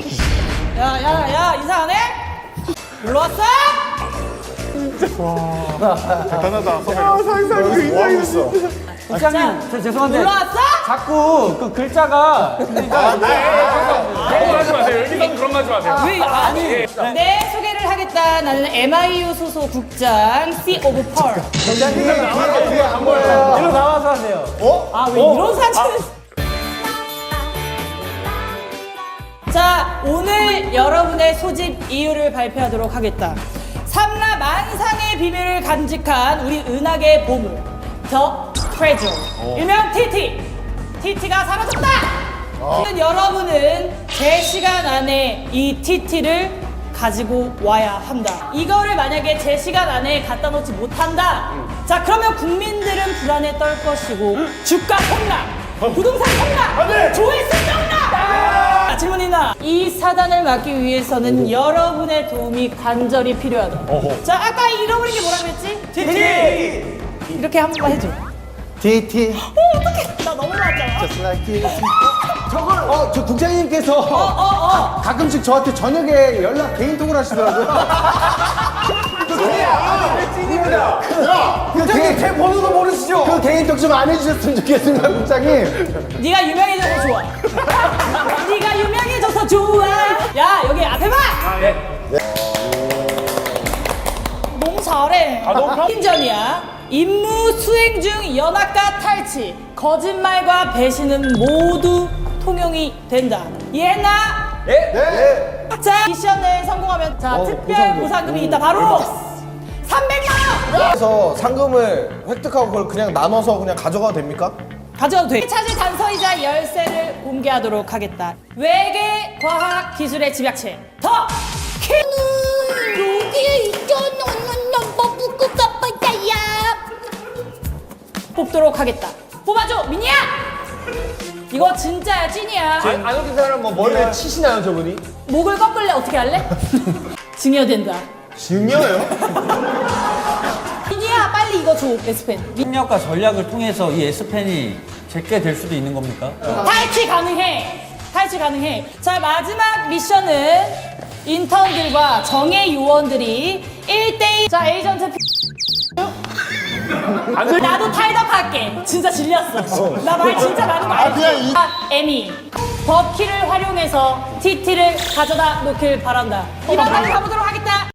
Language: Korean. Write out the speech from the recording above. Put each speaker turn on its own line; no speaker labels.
야, 인사 안 해? 놀러 왔어?
대단하다.
상상이 그 인상이 있어.
국장님, 저 죄송한데
놀러 왔어?
자꾸 그 글자가
그런 거 하지 마세요. 여기서는 그런 거 하지 마세요.
왜? 아니. 네, 소개를 하겠다. 나는 MIU 소속 국장 C 오브 펄.
국장님 뒤에 안 보여요. 일로 나와서 하세요.
아, 왜 이런 사진을. 자, 오늘 여러분의 소집 이유를 발표하도록 하겠다. 삼라 만상의 비밀을 간직한 우리 은하계의 보물, 더 트레저. 일명 TT. TT가 사라졌다! 여러분은 제 시간 안에 이 TT를 가지고 와야 한다. 이거를 만약에 제 시간 안에 갖다 놓지 못한다. 자, 그러면 국민들은 불안에 떨 것이고 주가 폭락, 부동산 폭락, 조회수 폭락! 질문 있나? 이 사단을 막기 위해서는 여러분의 도움이 간절히 필요하다. 자, 아까 잃어버린 게 뭐라 그랬지? TT! 이렇게 한 번만 해줘.
DT.
어떡해. 나 너무 놀랐잖아.
Just like this. 저걸 저 국장님께서 가끔씩 저한테 저녁에 연락 개인톡을 하시더라고요. 국장님 제 번호도 모르시죠? 그 개인톡 좀 안 해주셨으면 좋겠습니다, 국장님.
네가 유명해져서 좋아. 네가 유명해져서 좋아. 야, 여기 앞에 봐. 너무 잘해. 팀전이야. 임무 수행 중 연합과 탈취, 거짓말과 배신은 모두 통용이 된다. 이해했나?
네.
자, 미션을 성공하면 특별 보상금이 있다. 바로 300만 원.
그래서 상금을 획득하고 그걸 그냥 나눠서 그냥 가져가도 됩니까?
가져도 돼. 찾을 단서이자 열쇠를 공개하도록 하겠다. 외계 과학 기술의 집약체 더
여기에 있잖아. 뭐 묶을까 봐야.
뽑도록 하겠다. 뽑아줘, 민이야. 이거 진짜야, 찐이야.
안 웃긴 사람은 뭐 머리를 치시나요, 저분이?
목을 꺾을래? 어떻게 할래? 증여된다.
증여요?
민이야, 빨리 이거 줘, S펜.
협력과 전략을 통해서 이 S펜이 제게 될 수도 있는 겁니까?
탈취 가능해. 탈취 가능해. 자, 마지막 미션은 인턴들과 정예 요원들이 1대1. 자, 에이전트 나도 탈덕할게. 진짜 질렸어. 나 말 진짜 많은 거 알지? 에미, 버키를 활용해서 TT를 가져다 놓길 바란다. 이만 빨리 가보도록 하겠다.